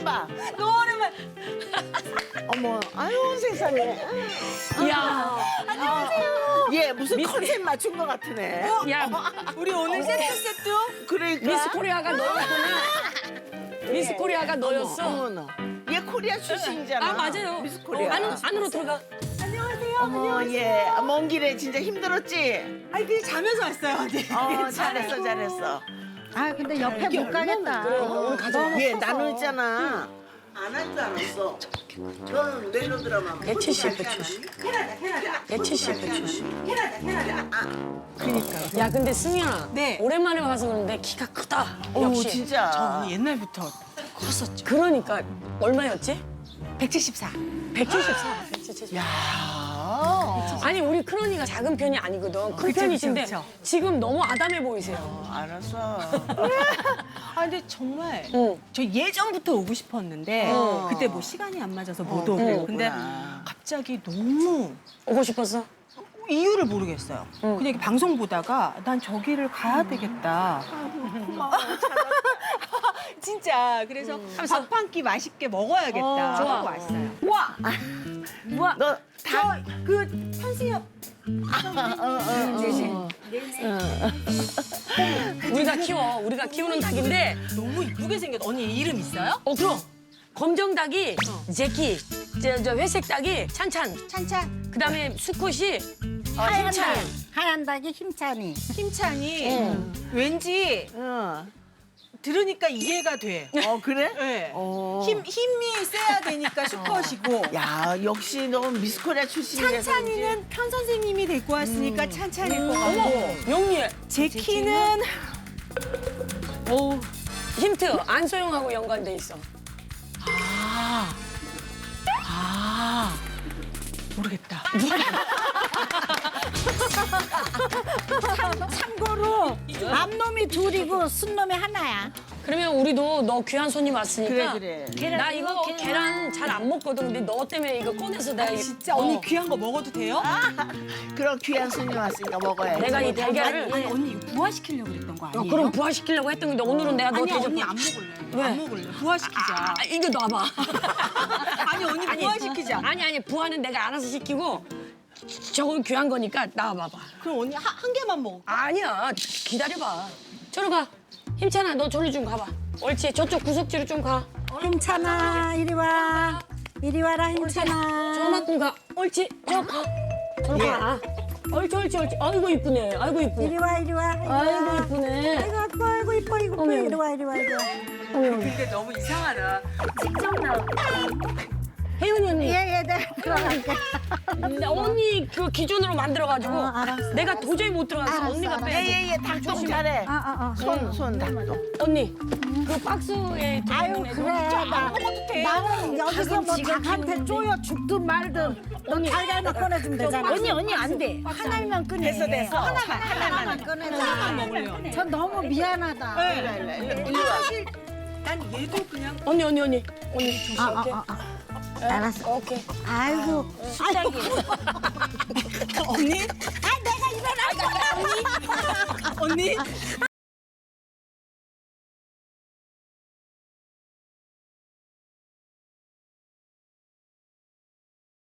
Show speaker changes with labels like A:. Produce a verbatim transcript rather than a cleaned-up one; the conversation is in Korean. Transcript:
A: 봐봐.
B: 노을만.
A: 어머, 아유 세상에.
C: 야,
A: 안녕하세요. 얘 무슨 컨셉 맞춘 것 같으네.
C: 야,
B: 우리 오늘 세트 세트.
A: 그러니까.
C: 미스 코리아가 너였구나. 미스 코리아가 너였어.
A: 어머나. 얘 코리아 출신이잖아.
C: 아, 맞아요.
A: 미스 코리아.
C: 안으로, 안으로 들어가.
B: 안녕하세요.
A: 어머, 얘. 먼 길에 진짜 힘들었지?
B: 아니 그냥 자면서 왔어요. 언니.
A: 어, 잘했어, 잘했어.
D: 아 근데 옆에 못 가겠다.
C: 오늘 가자.
A: 얘 나는 있잖아. 안 할 줄 알았어. 너는 멜로 드라마.
C: 백칠십, 백칠십. 백칠십, 백칠십.
A: 그니까.
C: 야, 근데 승희야.
B: 네.
C: 오랜만에 와서 그런데 키가 크다.
A: 어,
C: 역시.
A: 진짜.
B: 언니 옛날부터 컸었죠.
C: 그러니까 얼마였지?
B: 백칠십사.
C: 백칠십사. 백칠십사.
A: 아,
C: 아니, 우리 크로니가 작은 편이 아니거든. 큰
B: 그쵸,
C: 편이신데
B: 그쵸, 그쵸.
C: 지금 너무 아담해 보이세요.
A: 어, 알았어.
B: 아 근데 정말
C: 응.
B: 저 예전부터 오고 싶었는데
A: 어.
B: 그때 뭐 시간이 안 맞아서 못
A: 어,
B: 오고.
C: 응.
B: 근데
A: 그랬구나.
B: 갑자기 너무
C: 오고 싶었어?
B: 이유를 모르겠어요.
C: 응.
B: 그냥 이렇게 방송 보다가 난 저기를 가야 되겠다.
A: 고마워.
B: 진짜 그래서 밥 한 끼 맛있게 먹어야겠다
A: 어,
C: 좋아.
B: 하고 왔어요.
A: 와.
C: 우와.
A: 너 다.
B: 그 현수역
C: 우리가 키워. 우리가 키우는 닭인데
B: 너무 이쁘게 생겼. 언니 이름 있어요?
C: 어, 그럼. 검정 닭이 제키, 저, 저 회색 닭이 찬찬,
D: 찬찬.
C: 그다음에 수컷이 어,
D: 하얀
C: 힘찬.
D: 닭. 하얀 닭이 힘찬이.
B: 힘찬이 왠지
A: 어.
B: 들으니까 이해가 돼.
A: 어, 그래?
B: 네.
A: 어.
B: 힘 힘이 세야 되니까 수컷이고.
A: 야, 역시 너 미스 코리아 출신이라서.
B: 찬찬이는 편 선생님이 데리고 왔으니까 찬찬일 것 같고.
C: 어머, 영리해.
B: 제키는
C: 오, 힌트. 안소영하고 연관돼 있어.
B: 아, 아 모르겠다.
D: 참고로 앞놈이 둘이고 순놈이 하나야.
C: 그러면 우리도 너 귀한 손님 왔으니까.
A: 그래, 그래.
C: 나 이거 계란 잘 안 먹거든. 근데 너 때문에 이거 꺼내서 내가. 이-
B: 진짜
C: 어,
B: 언니 귀한 거 먹어도 돼요?
A: 그런 귀한 손님 왔으니까 먹어야지.
C: 내가 이 달걀을.
B: 아니 언니 이거 부화시키려고 그랬던 거
C: 어,
B: 아니에요?
C: 그럼 부화시키려고 했던 건데 오늘은 내가 너
B: 아니
C: 대접.
B: 언니 안 먹을래.
C: 왜?
B: 안 먹을래. 부화시키자.
C: 아, 이거 놔봐.
B: 아니 언니 부화시키자.
C: 아니 아니 부화는 내가 알아서 시키고 저건 귀한 거니까 나와봐봐.
B: 그럼 언니 한, 한 개만 먹어.
C: 아니야 기다려봐. 저리 가. 힘찬아 너 저리 좀 가봐. 옳지 저쪽 구석지로 좀 가.
D: 힘찬아 이리 와. 이리 와라 힘찬아.
C: 저만큼 가. 옳지 저 가. 저리 가. 옳지 옳지 옳지. 아이고 이쁘네. 아이고 이쁘네.
D: 이리 와 이리 와. 이리 와.
C: 아이고 이쁘네.
D: 아이고 아이고 아이고 이뻐 이거
C: 어머,
D: 이리 와 이리 와 이리 와.
B: 근데 너무 이상하다.
C: 혜은이 언니.
D: 얘얘 내가 들어갈게.
C: 나 언니 그 기준으로 만들어가지고
D: 어, 알았어.
C: 내가 도저히 못 들어갔어.
D: 알았어,
C: 언니가
D: 알았어.
C: 빼야 돼.
A: 예예예, 닭똥 잘해.
D: 아아 어.
A: 손, 손 닭똥.
C: 언니 그 박스에
D: 아유
C: 들어있는 애들
D: 그래
C: 좀
D: 나,
B: 먹어도 돼.
D: 나는 여기서 뭐 닭한테 쪼여 죽든 말든 너 달걀만 꺼내주면 되잖아.
C: 언니, 언니, 안 돼.
D: 하나만 꺼내.
A: 됐어, 됐어.
D: 하나만 하나만 꺼내.
B: 하나만 먹을래요.
D: 전 너무 미안하다.
A: 일로, 일로, 일로, 일로 와.
B: 사실 난 얘도 그냥
C: 언니 언니 언니 언니 조심
D: 아, 아,
C: 오케이.
D: 아, 아. 알았어.
C: 오케이.
D: 아이고, 아이고,